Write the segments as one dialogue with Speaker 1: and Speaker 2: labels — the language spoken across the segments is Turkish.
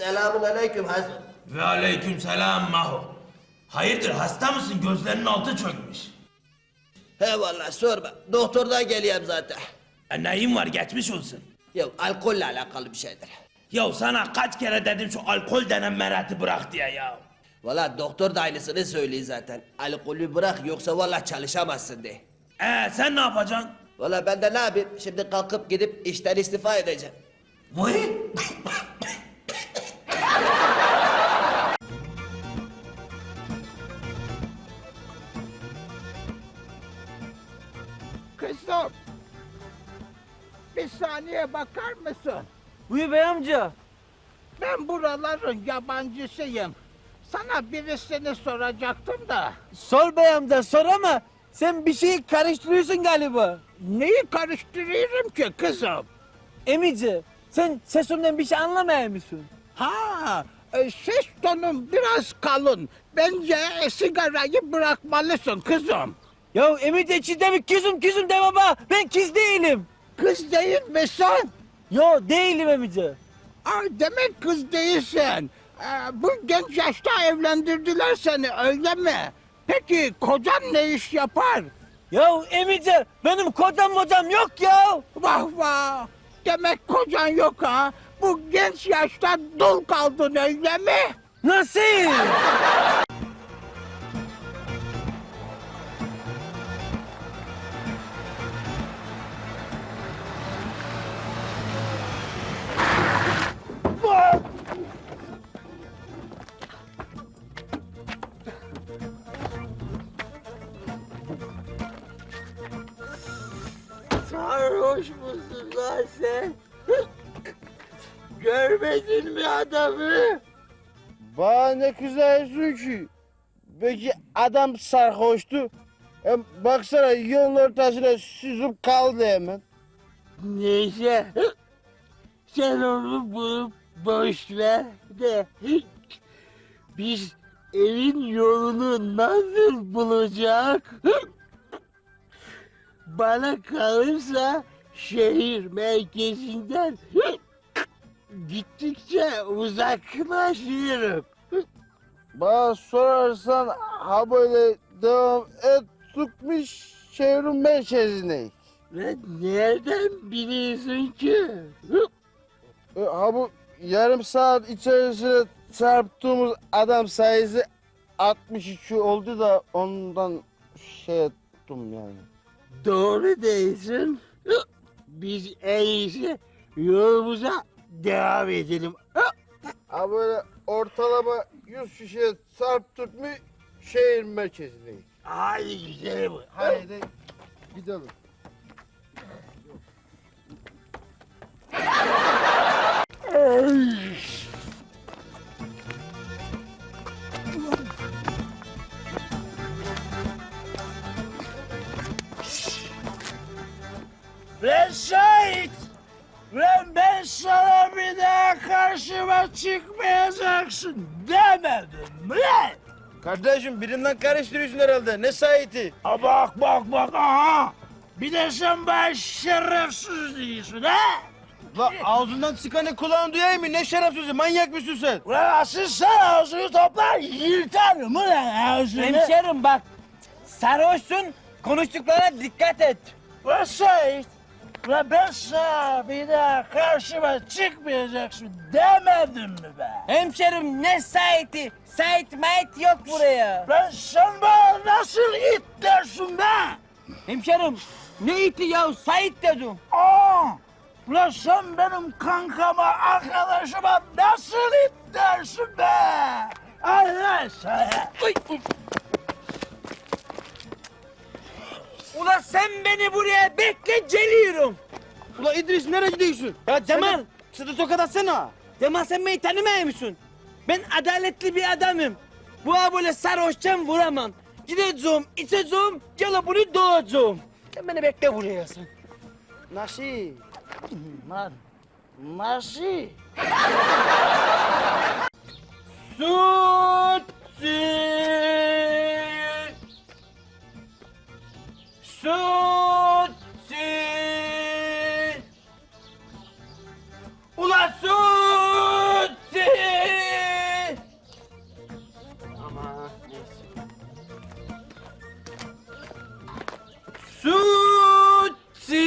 Speaker 1: Selamünaleyküm Hazım.
Speaker 2: Ve aleykümselam Maho. Hayırdır hasta mısın? Gözlerinin altı çökmüş.
Speaker 1: He vallahi sorma. Doktordan geliyorum zaten.
Speaker 2: Neyin var geçmiş olsun.
Speaker 1: Ya alkolle alakalı bir şeydir.
Speaker 2: Ya sana kaç kere dedim şu alkol denen merati bırak diye ya.
Speaker 1: Vallahi doktor da aynısını söylüyor zaten. Alkolü bırak yoksa vallahi çalışamazsın diye.
Speaker 2: Sen ne yapacaksın?
Speaker 1: Vallahi ben de ne yapayım? Şimdi kalkıp gidip işten istifa edeceğim.
Speaker 2: Vay.
Speaker 3: Kızım, bir saniye bakar mısın?
Speaker 4: Buyur bey amca.
Speaker 3: Ben buraların yabancısıyım. Sana birisini soracaktım da.
Speaker 4: Sor bey amca sor ama sen bir şeyi karıştırıyorsun galiba.
Speaker 3: Neyi karıştırıyorum ki kızım?
Speaker 4: Emici sen sesimden bir şey anlamıyor musun?
Speaker 3: Ha, ses tonun biraz kalın. Bence sigarayı bırakmalısın kızım.
Speaker 4: Ya Emici içinde mi kızım de baba. Ben kız değilim.
Speaker 3: Kız değil misin?
Speaker 4: Yo değilim Emici.
Speaker 3: Demek kız değilsin. Bu genç yaşta evlendirdiler seni öyle mi? Peki kocan ne iş yapar?
Speaker 4: Ya Emici benim kocam yok ya.
Speaker 3: Vah vah! Demek kocan yok ha? Bu genç yaşta dul kaldın öyle mi?
Speaker 4: Nasıl?
Speaker 3: Sarhoş musun lan sen? Görmedin mi adamı?
Speaker 5: Bana ne kızıyorsun ki? Belki adam sarhoştu. Hem baksana yolun ortasına süzüp kaldı hemen.
Speaker 3: Neyse. Sen onu bulup boş ver de. Biz evin yolunu nasıl bulacak? Bana kalırsa şehir merkezinden gittikçe uzaklaşıyorum.
Speaker 5: Bana sorarsan ha böyle devam ettikmiş şehrin merkezine.
Speaker 3: Ve nereden biliyorsun ki?
Speaker 5: Ha bu yarım saat içerisinde çarptığımız adam sayısı 62 oldu da ondan şey ettim yani.
Speaker 3: Doğru değilsin. Biz en iyisi yolumuza devam edelim.
Speaker 5: Ha böyle ortalama 100 kişiye çarptık mı şehir merkezindeyiz.
Speaker 3: Hadi gidelim.
Speaker 5: Haydi gidelim.
Speaker 3: Ben şahit. Ben sana bir daha karşıma çıkmayacaksın demedim mi?
Speaker 5: Kardeşim birinden karıştırıyorsun herhalde. Ne saiti?
Speaker 3: Bak aha. Bir de sen bana şerefsiz değilsin ha?
Speaker 5: La ağzından çıkanı kulağın duyayım mı? Ne şerefsizi manyak mısın sen?
Speaker 3: Ulan asıl sen ağzını toplar yırtarım ulan ağzını.
Speaker 4: Hemşerim bak sarhoşsun konuştuklarına dikkat et.
Speaker 3: Ulan şahit. Ulan ben sana bir daha karşıma çıkmayacaksın demedim mi be?
Speaker 4: Hemşerim ne saiti? Sait mait yok buraya.
Speaker 3: Lan sen bana nasıl it dersin be?
Speaker 4: Hemşerim ne iti ya Sait dedim.
Speaker 3: Ulan sen benim kankama, arkadaşıma nasıl it dersin be? Allah sana.
Speaker 4: Ulan sen beni buraya bekle geliyorum.
Speaker 5: Ula İdris nereye gidiyorsun?
Speaker 4: Ya Cemal,
Speaker 5: Sıdı tokat atsana.
Speaker 4: Cemal sen beni tanımıyor musun? Ben adaletli bir adamım. Bu böyle sarhoşken vuramam. Gideceğim, içeceğim, gel bunu doğacağım. Sen beni bekle buraya sen.
Speaker 5: Nasıl?
Speaker 3: Lan nasıl?
Speaker 4: Ulan Suzi! Sütçü.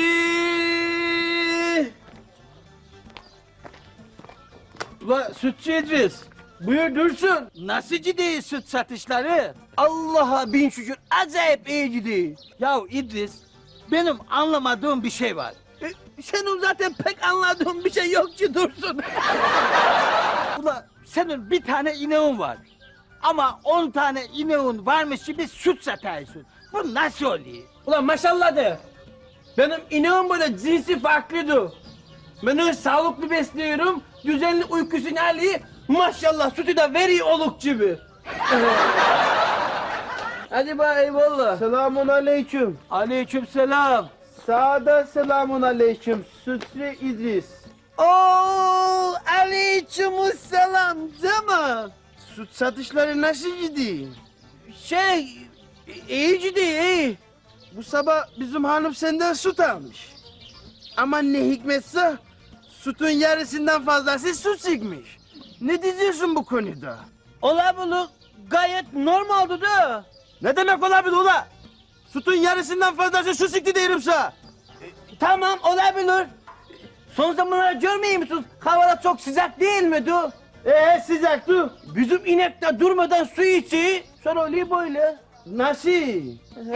Speaker 4: Ula Sütçü İdris. Buyur Dursun.
Speaker 3: Nasıl gidiyor süt satışları?
Speaker 4: Allah'a bin şükür acayip iyi gidiyor.
Speaker 3: Ya İdris, benim anlamadığım bir şey var.
Speaker 4: Senin zaten pek anladığın bir şey yok ki Dursun.
Speaker 3: Ula senin bir tane ineğin var. Ama 10 tane ineğin varmış gibi süt satıyorsun. Bu nasıl oluyor?
Speaker 4: Ulan maşallah de. Benim ineğim böyle cinsi farklıdır. Ben öyle sağlıklı besliyorum, düzenli uykusunu alıyor. Maşallah sütü de veriyor oluk gibi. Hadi bak eyvallah.
Speaker 5: Selamun aleyküm.
Speaker 3: Aleykümselam.
Speaker 5: Sağda selamun aleyküm. Sütlü İdris.
Speaker 4: Oo, aleykümselam Cemal.
Speaker 5: Süt satışları nasıl gidiyor?
Speaker 4: İyi gidiyor iyi.
Speaker 5: Bu sabah bizim hanım senden süt almış. Ama ne hikmetse sütün yarısından fazlası süt çıkmış. Ne diyeceksin bu konuda?
Speaker 4: Olabilir, gayet normaldi da.
Speaker 5: Ne demek olabilir ula? Sütün yarısından fazlası süt çıktı diyorum sana.
Speaker 4: Tamam olabilir. Son zamanlarda görmüyor musunuz? Havalar çok sıcak değil mi du?
Speaker 5: Sıcaktı.
Speaker 4: Bizim inek de durmadan su içiyor. Sonra oluyor böyle.
Speaker 5: Nasıl?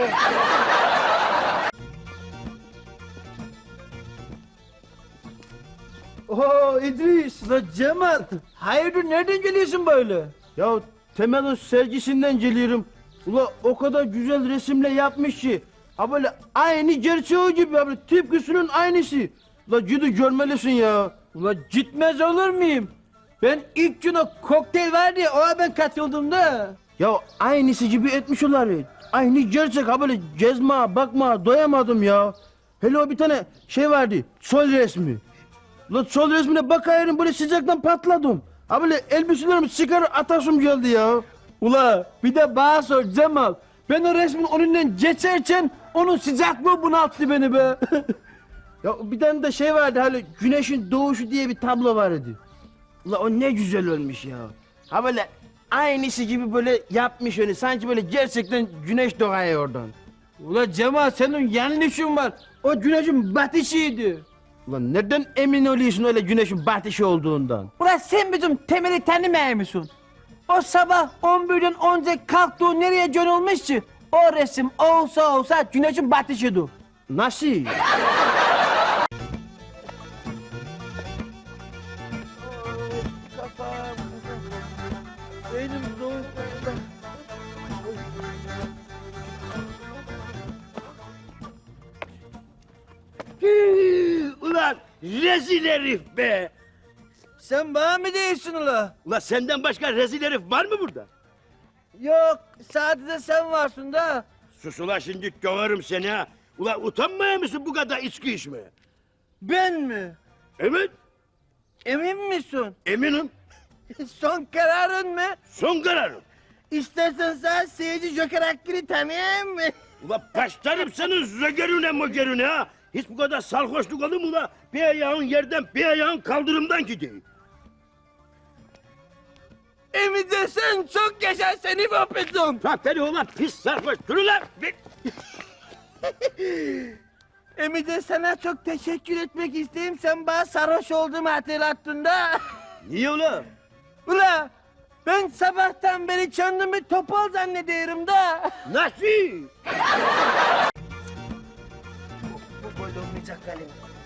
Speaker 5: Oo İdris.
Speaker 4: La Cemal, hayırdır nereden geliyorsun böyle?
Speaker 5: Ya Temel'in sergisinden geliyorum. Ula o kadar güzel resimle yapmış ki. Ha böyle aynı gerçeği gibi abi tıpkısının aynısı. La gidi görmelisin ya.
Speaker 4: Ula gitmez olur muyum? Ben ilk gün o kokteyl vardı ya, ona ben katıldım da.
Speaker 5: Ya aynısı gibi etmiş onlar. Aynı gerçek ha böyle gezme bakma doyamadım ya. Hele o bir tane şey vardı sol resmi. La sol resmine bakıyorum böyle sıcaktan patladım. Ha böyle elbiselerimi çıkarıp atasım geldi ya.
Speaker 4: Ula bir de bana sor Cemal. Ben o resmin önünden geçerken onun sıcaklığı bunalttı beni be.
Speaker 5: Ya bir tane de şey vardı hani güneşin doğuşu diye bir tablo vardı. Ula o ne güzel olmuş ya. Ha böyle aynısı gibi böyle yapmış onu sanki böyle gerçekten güneş doğuyor oradan.
Speaker 4: Ula Cemal senin yanlışın var. O güneşin batışıydı.
Speaker 5: Ulan nereden emin oluyorsun öyle güneşin batışı olduğundan?
Speaker 4: Ula sen bizim Temel'i tanımıyor musun? O sabah 11'den önce kalktığı nereye gönülmüş ki? O resim olsa güneşin batışıydı.
Speaker 5: Nasıl?
Speaker 4: Benim zor.
Speaker 6: Ulan rezil herif be!
Speaker 4: Sen bana mı değilsin ula?
Speaker 6: Ulan senden başka rezil herif var mı burada?
Speaker 4: Yok sadece sen varsın da.
Speaker 6: Sus ulan şimdi döverim seni ha! Ulan utanmaya mısın bu kadar içki içmeye?
Speaker 4: Ben mi?
Speaker 6: Evet,
Speaker 4: Emin misin?
Speaker 6: eminim.
Speaker 4: Son kararın mı?
Speaker 6: Son kararım.
Speaker 4: İstersen sen seyirci Joker Hakkı'nı tanıyayım mı?
Speaker 6: Ulan başlarım senin zögerüne mögerüne ha! Hiç bu kadar sarhoşluk olur mu ulan? Bir ayağın yerden bir ayağın kaldırımdan gidiyor.
Speaker 4: Emice sen çok yaşa seni öpeceğim.
Speaker 6: Aferin ulan pis sarhoş dur ulan!
Speaker 4: Emice sana çok teşekkür etmek isteyeyim. Sen bana sarhoş olduğumu hatırlattın da.
Speaker 6: Niye ulan?
Speaker 4: Ula ben sabahtan beri kendimi topal zannediyorum da.
Speaker 6: Nasıl?
Speaker 4: Bu böyle olmayacak galiba.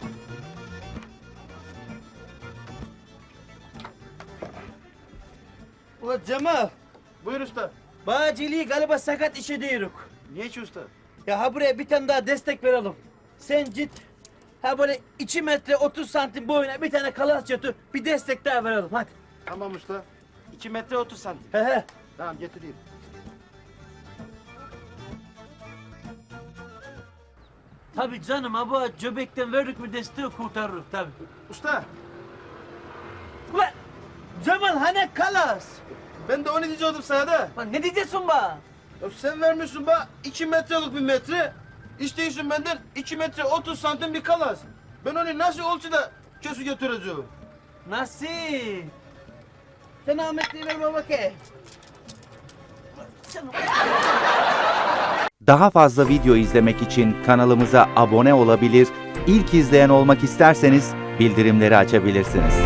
Speaker 4: Ula Cemal.
Speaker 5: Buyur usta.
Speaker 4: Bağcılığı galiba sakat işe diyoruz.
Speaker 5: Niye ki usta?
Speaker 4: Ya ha buraya bir tane daha destek verelim. Sen git. Ha böyle 2 metre 30 santim boyuna bir tane kalas götür. Bir destek daha verelim hadi.
Speaker 5: Tamam usta. 2 metre 30 santim.
Speaker 4: He he.
Speaker 5: Tamam getireyim.
Speaker 4: Tabii canım ha bu cöbekten verdik mi desteği kurtarırız tabii.
Speaker 5: Usta
Speaker 4: Ulan Cemal hani kalas?
Speaker 5: ben de onu diyecektim sana da.
Speaker 4: Lan ne diyeceksin bana?
Speaker 5: Ya sen vermişsin bana 2 metrelik bir metre. İstiyorsun benden 2 metre 30 santim bir kalas. Ben onu nasıl ölçüde köşü götüreceğim?
Speaker 4: Nasıl? Sen Ahmetliği verme bakayım.
Speaker 7: Daha fazla video izlemek için kanalımıza abone olabilir, ilk izleyen olmak isterseniz bildirimleri açabilirsiniz.